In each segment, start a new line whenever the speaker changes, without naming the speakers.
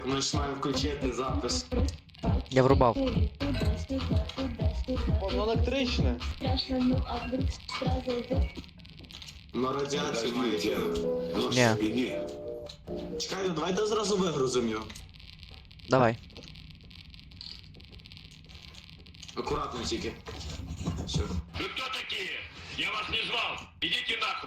Ми ж маємо включити запис.
Я врубав.
Воно електричне.
На радіацію маєте.
Ні.
Чекай, ну давайте зразу вигрузимо його.
Давай.
Акуратно тільки. Все.
Вы кто такие? Я вас не звал. Идите нахуй.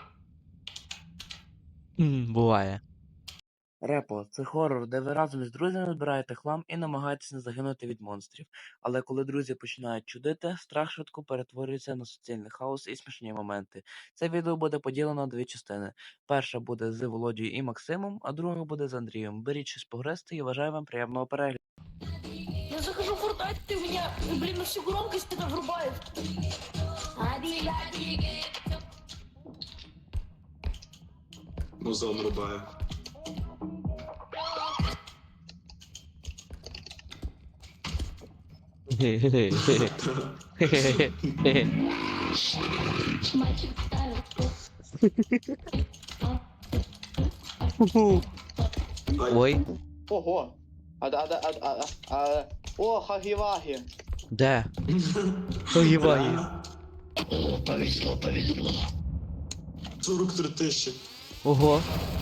Буває.
Репо – це хорор, де ви разом з друзями збираєте хлам і намагаєтесь не загинути від монстрів. Але коли друзі починають чудити, страх швидко перетворюється на суцільний хаос і смішні моменти. Це відео буде поділено на дві частини. Перша буде з Володією і Максимом, а друга буде з Андрієм. Беріть щось погризти і бажаю вам приємного перегляду.
Я захожу в Fortnite, и у меня, блин, на всю громкость это врубает.
Музон рубає.
Ой,
Ого. О, хагі-вагі.
де? Огіваї.
43 тисячі.
Ого.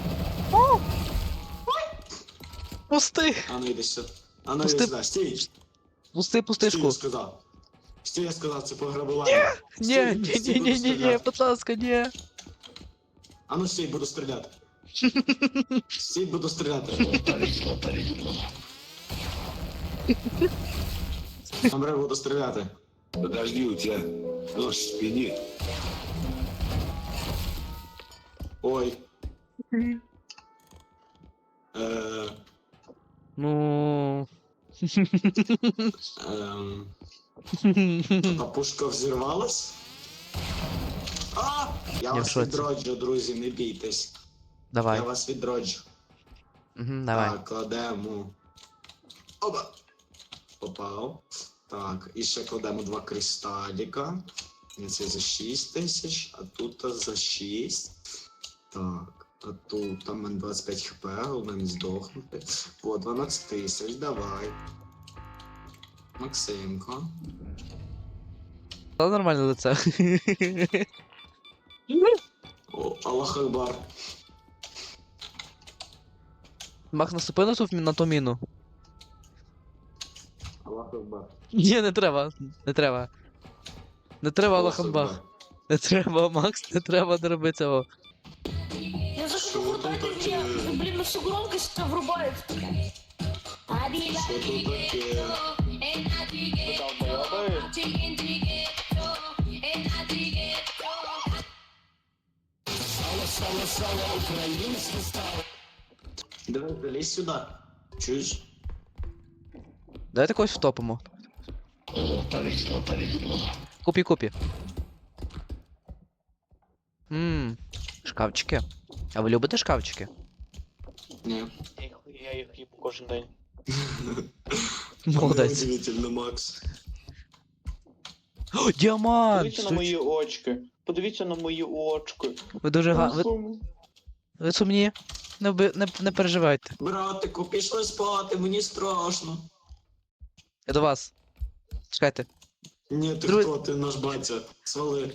Пусти!
А ну йди сюди. А ну
Пусти-
йди сюди. Стій.
Пусти
Стій,
пустишку.
я сказав. Стій, я сказав, це пограбування.
Ні,
Стій, буду
ні,
стріляти.
будь ласка, ні.
А ну стій, буду стріляти. Стій, буду стріляти. Амре, буду стріляти.
Подожди, у тебя нож в спине.
Ой.
Ну.
Та пушка взірвалась? А! Я
Я в
вас
шоці.
відроджу, друзі, не бійтесь.
Давай.
Я вас відроджу.
Давай.
Так, кладемо. Оба! Попав. Так, і ще кладемо 2 кристаліка. І це за 6 тисяч, а тут за 6. Так, а тут там в мене 25 хп, головне не здохнути. По 12 тисяч, давай. Максимко.
Та нормально лице.
О, Аллах Акбар.
Мах наступи на ту міну.
Аллах Акбар.
Ні, не треба. Не треба. Не треба
Аллах
Аллахамбах.
Акбар.
Не треба, Макс, не треба не роби цього.
Я захожу
Что
в Fortnite, и у
тут
меня,
такие?
блин, на всю громкость это врубает.
Що тут таке?
Долбойоби.
Давай, залізь сюди. Чуєш?
Давайте когось втопимо. Купі. Шкафчики. А ви любите шкафчики?
Ні.
Я їх їбу кожен день.
Молодець.
Удивительно, Макс.
О, діамант!
Подивіться на мої очки. Подивіться на мої очки.
Ви дуже ви,
Сумно.
ви сумні. Не переживайте.
Братику, пішли спати, мені страшно.
Я до вас. Чекайте.
Ні, ти
Друзі-
хто? Ти наш батя. Свали.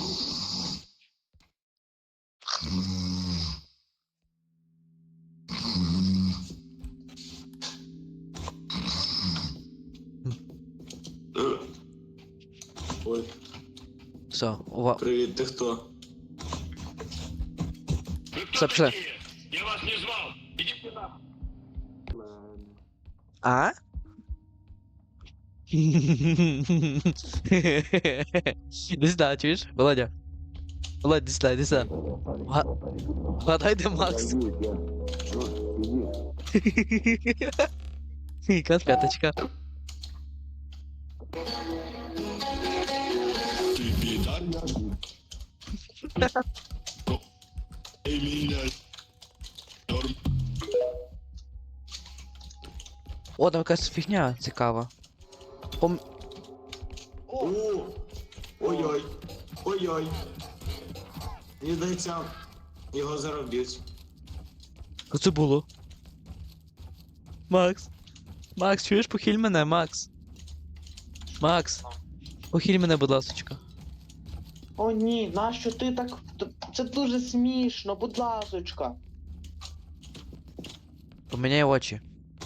Ой,
Все,
привіт, ти хто?
Вы кто
Все, пішли.
такие? Я вас не звал. Идите нахуй.
А? Іди сюди, чуєш? Володя. Володя, іди сюди. Гадай, де Макс. Конфеточка.
Ты пидор. Эй, меня. Норм.
О, там якась фігня цікава.
О! Ой-ой. Ой-ой. Мені здається, його зараз б'ють.
Що це було? Макс. Макс, чуєш, похиль мене, Макс. Макс. Похиль мене, будь ласочка.
О ні, нащо ти так. Це дуже смішно, будь ласочка.
Поміняй очі.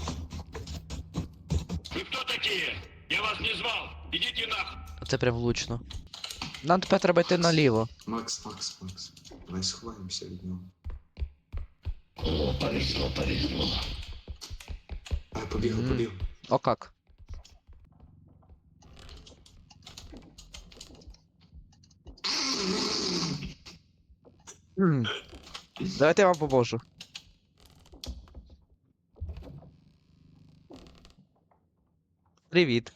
Вы кто такие? Я вас не звал. Идите нахуй.
Оце прям влучно. Нам тепер треба йти наліво.
Макс. Давай сховаємося від нього. Побігли.
О как? Давайте я вам поможу. Привіт.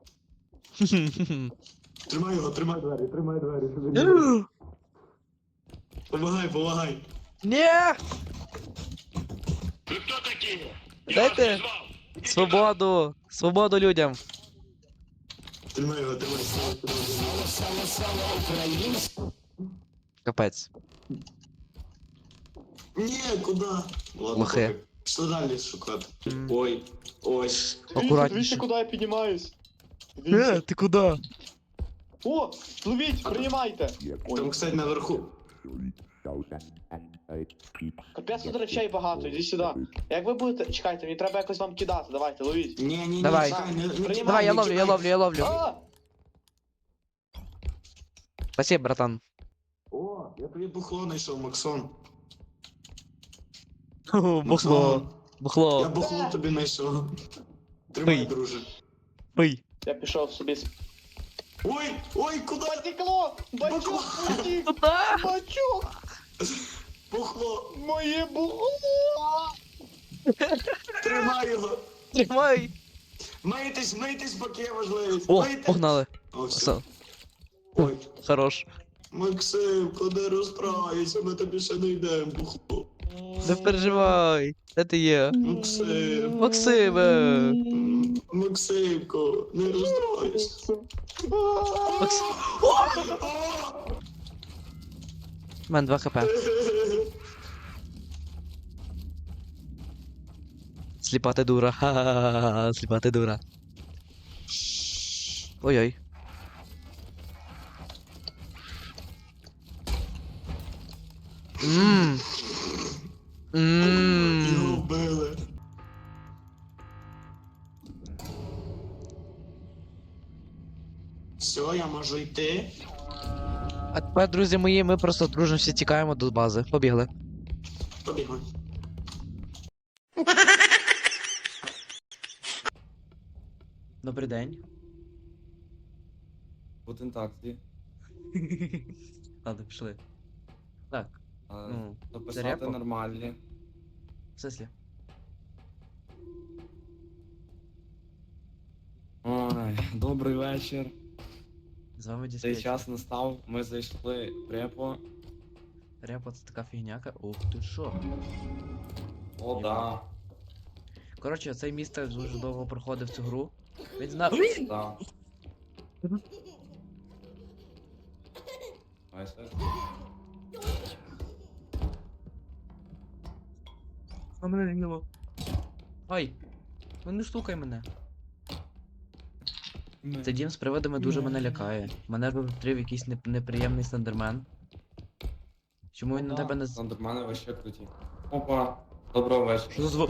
Тримай двері, щоб він не... Помагай.
Ні!
Вы кто такие? Я
Дайте.
вас не звал. Идите
Свободу! Свободу людям!
Тримай його.
Капець.
Ні, куди? Ладно,
Лохи.
поки. Пішли далі шукати.
М.
Ой, ось.
Акуратніше.
куди я піднімаюсь.
Ти куди?
О, ловіть, приймайте.
Там, кстати, наверху.
Капець тут речей багато, іди сюди. Як ви будете. Чекайте, мені треба якось вам кидати, давайте, ловіть.
Ні,
Давай.
чекай, не
Давай,
Давай, я
не
ловлю,
кидай.
я ловлю.
А!
Спасибо, братан.
О, я тобі бухло знайшов, Максон.
Бухло.
Максон, Я
Бухло.
бухло тобі знайшов. Тримай,
Пий.
друже.
Пий.
Я пішов собі з.
Ой, куди?
Потекло! Бачок потік!
Куда?
Бачок!
Бухло.
Моє бухло!
Тримай його.
Тримай.
Мийтесь, поки є можливість.
О,
Мийтесь.
погнали.
О, все.
Все,
Ой,
хорош.
Максимко, не розстраюйся, ми тобі ще не йдемо, бухло.
Не переживай. Де ти є?
Максим.
Максиме.
Максимко, не розстраюйся.
Макс... У мене 2 хп. Сліпа ти дура. Ха-ха-ха. Сліпа ти дура. Ой-ой. Ммм.
Його
Ммм.
вбили. Все, я можу йти.
А тепер, друзі мої, ми просто дружно всі тікаємо до бази. Побігли.
Побігли.
Добрий день.
Guten Tag, Sie.
Ладно, пішли. Так,
А,
ну,
Дописати
репо?
нормальні.
в сенсі.
Ой, добрий вечір.
З вами
Цей
диспетчер.
час настав, ми зайшли в репо.
Репо це така фігняка. Ух ти що.
О, да.
Коротше, цей містер дуже довго проходив цю гру. Він знав.
Да. Ось це.
А мене гніло. Ой! Ну не штукай мене. Цей дім з привидами дуже мене лякає. Мене зустрів якийсь неприємний слендермен. Чому він на тебе не з.
Сандермани вообще круті. Опа, доброго вечора.
Що за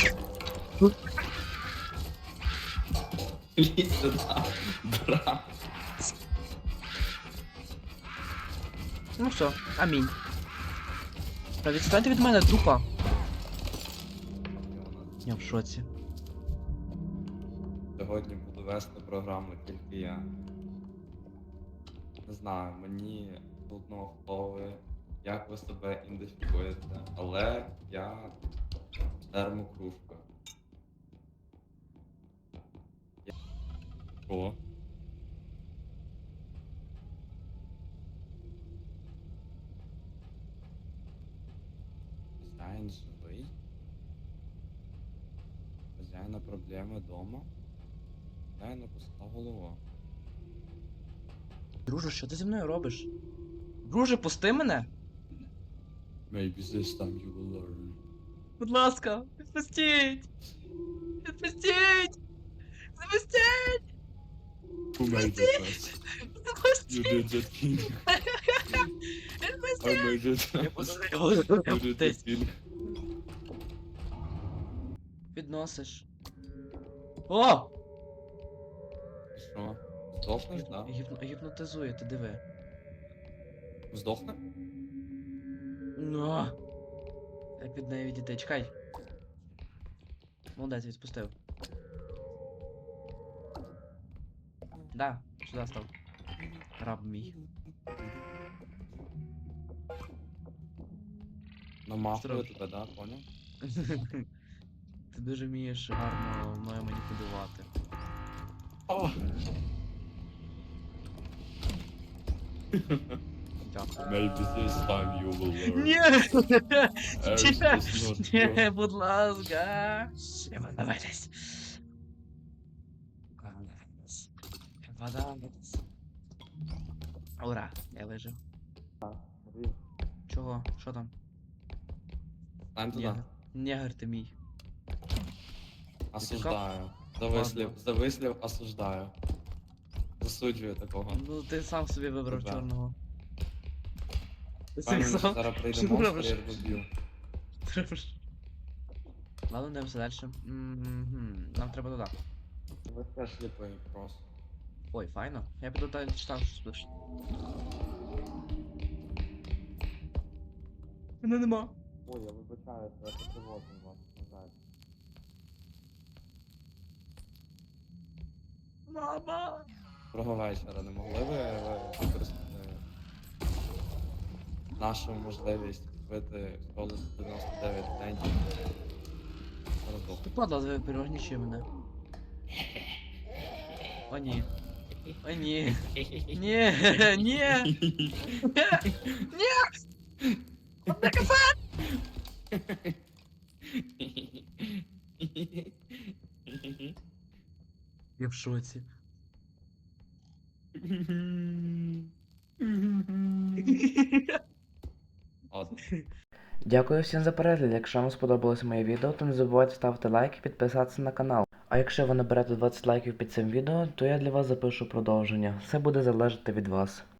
Ідіть сюди, брат.
Ну все, амінь. Та відстаньте від мене, дупа. Я в шоці.
Сьогодні буду вести програму тільки я. Не знаю, мені трудно в голові, як ви себе ідентифікуєте, але я термокружка. О. Хазяїн живий? Хазяїна проблеми дома? Хазяїна пуста голова.
Друже, що ти зі мною робиш? Друже, пусти мене!
Maybe this time you will learn.
Будь ласка, відпустіть! Відпустіть! Відпустіть!
Who made this mess? You did that, King. I made it.
Я буду
You did that, King.
Підносиш. О!
Що? Здохнеш, да?
Гіпнотизує, ти диви.
Здохне?
Ну. Як від неї відійти, чекай. Молодець, відпустив. Да, сюди став. Раб мій.
Намахую
Що
тебе, да, поняв?
Ти дуже вмієш гарно мною маніпулювати.
О!
Дякую.
Maybe this time you will learn.
Ні!
Earth is not
Ні, будь ласка. Не подавайтесь. Подавайтесь. Ура, я вижив. Чого? Що там?
Стань туди.
Негр. Негр ти мій.
Осуждаю.
Ладно.
За вислів осуждаю. Засуджую такого.
Ну ти сам собі вибрав
Да.
чорного. Ти
Певно, що
сам
зараз прийде
що
монстр,
робиш?
я його вб'ю.
робиш. Ладно, дивимося далі. Нам треба туди.
Ви теж сліпий просто.
Ой, файно. Я піду далі читав, що спиш. Мене нема.
Ой, я вибачаю, я потривожив вас, на жаль.
Мама!
Доброго вечора, не могли ви використати нашу можливість купити школу з 99 центів?
Ти падла, диви, перегорнічує мене. О ні. О ні. Ні, ні. Я в шоці.
Ладно.
Дякую всім за перегляд. Якщо вам сподобалось моє відео, то не забувайте ставити лайк і підписатися на канал. А якщо ви наберете 20 лайків під цим відео, то я для вас запишу продовження. Все буде залежати від вас.